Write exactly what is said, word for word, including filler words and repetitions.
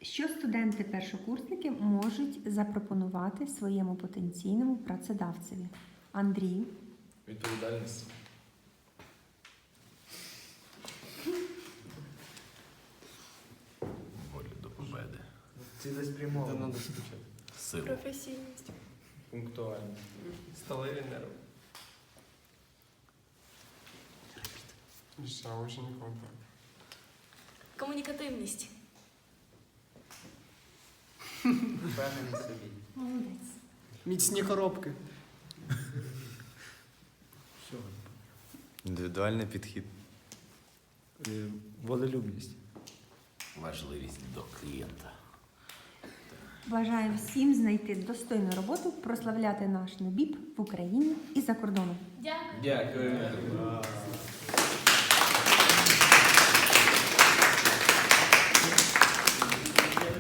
Що студенти-першокурсники можуть запропонувати своєму потенційному працедавцеві? Андрій. Відповідальність. Волю до победи. Цілеспрямованість. Силу. Професійність. Пунктуальність. Сталеві нерви. Ще очень не хватает. Комунікативність. Впевнений собі. Молодець. Міцні коробки. Індивідуальний підхід. Волелюбність. Важливість до клієнта. Бажаю всім знайти достойну роботу, прославляти наш НЕБІП в Україні і за кордоном. Дякую. Дякую.